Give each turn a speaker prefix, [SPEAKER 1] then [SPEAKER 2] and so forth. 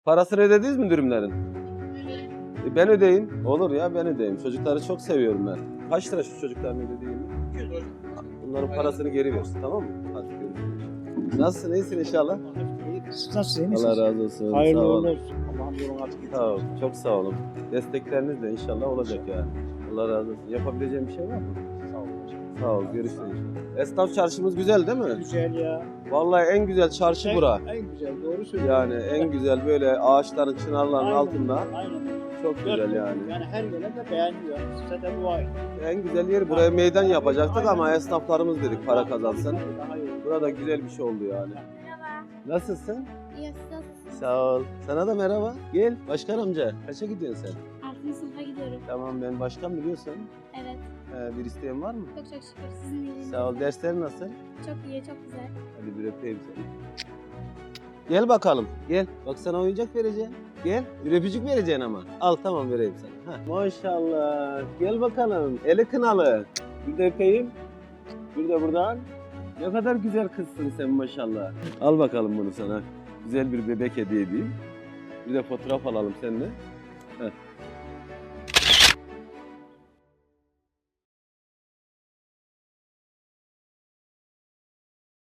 [SPEAKER 1] Parasını ödediniz mi dürümlerin? Ben ödeyeyim. Olur ya, ben ödeyeyim. Çocukları çok seviyorum ben. Kaç lira şu çocukların ödediğimi? Bunların parasını geri ver. Tamam mı? Hadi görüşürüz. Nasılsın? İyisin inşallah.
[SPEAKER 2] Siz nasılsınız?
[SPEAKER 1] Allah razı olsun.
[SPEAKER 2] Hayırlı
[SPEAKER 1] Sağ
[SPEAKER 2] uğurlu
[SPEAKER 1] olun.
[SPEAKER 2] olsun. Allah'ım yolunu açık etsin.
[SPEAKER 1] Sağ olun. Çok sağ olun. Destekleriniz de inşallah olacak yani. Allah razı olsun. Yapabileceğim bir şey var mı?
[SPEAKER 2] Sağ olun.
[SPEAKER 1] Sağ ol. Görüşürüz inşallah. Esnaf çarşımız güzel değil mi?
[SPEAKER 2] Güzel ya.
[SPEAKER 1] Vallahi en güzel çarşı bura.
[SPEAKER 2] En güzel, doğru söylüyorsun.
[SPEAKER 1] Yani en güzel böyle ağaçların, çınarların
[SPEAKER 2] Aynen,
[SPEAKER 1] altında.
[SPEAKER 2] Aynen.
[SPEAKER 1] Çok güzel yani.
[SPEAKER 2] Yani her gelen de beğeniyor. Size de dua edin.
[SPEAKER 1] En güzel yer buraya meydan yapacaktık
[SPEAKER 2] Aynen.
[SPEAKER 1] ama esnaflarımız dedik para kazansın.
[SPEAKER 2] Daha iyi olur.
[SPEAKER 1] Burada güzel bir şey oldu yani.
[SPEAKER 3] Merhaba.
[SPEAKER 1] Nasılsın?
[SPEAKER 3] İyi, siz nasılsınız?
[SPEAKER 1] Sağ ol. Sana da merhaba. Gel. Başkan amca. Kaça gidiyorsun sen?
[SPEAKER 3] 6. sınıfa gidiyorum.
[SPEAKER 1] Tamam, ben başkan biliyorsun.
[SPEAKER 3] Evet.
[SPEAKER 1] Bir isteğin var mı?
[SPEAKER 3] Çok çok şükür. Sizin iyiliğiniz.
[SPEAKER 1] Sağ ol. Dersler nasıl?
[SPEAKER 3] Çok iyi, çok güzel.
[SPEAKER 1] Hadi bir öpeyim seni. Gel bakalım. Gel. Bak sana oyuncak vereceğim. Gel. Bir öpücük vereceksin ama. Al tamam, vereyim sana. Heh. Maşallah. Gel bakalım. Eli kınalı. Bir de öpeyim. Bir de buradan. Ne kadar güzel kızsın sen maşallah. Al bakalım bunu sana. Güzel bir bebek hediye edeyim. Bir de fotoğraf alalım seninle. Heh.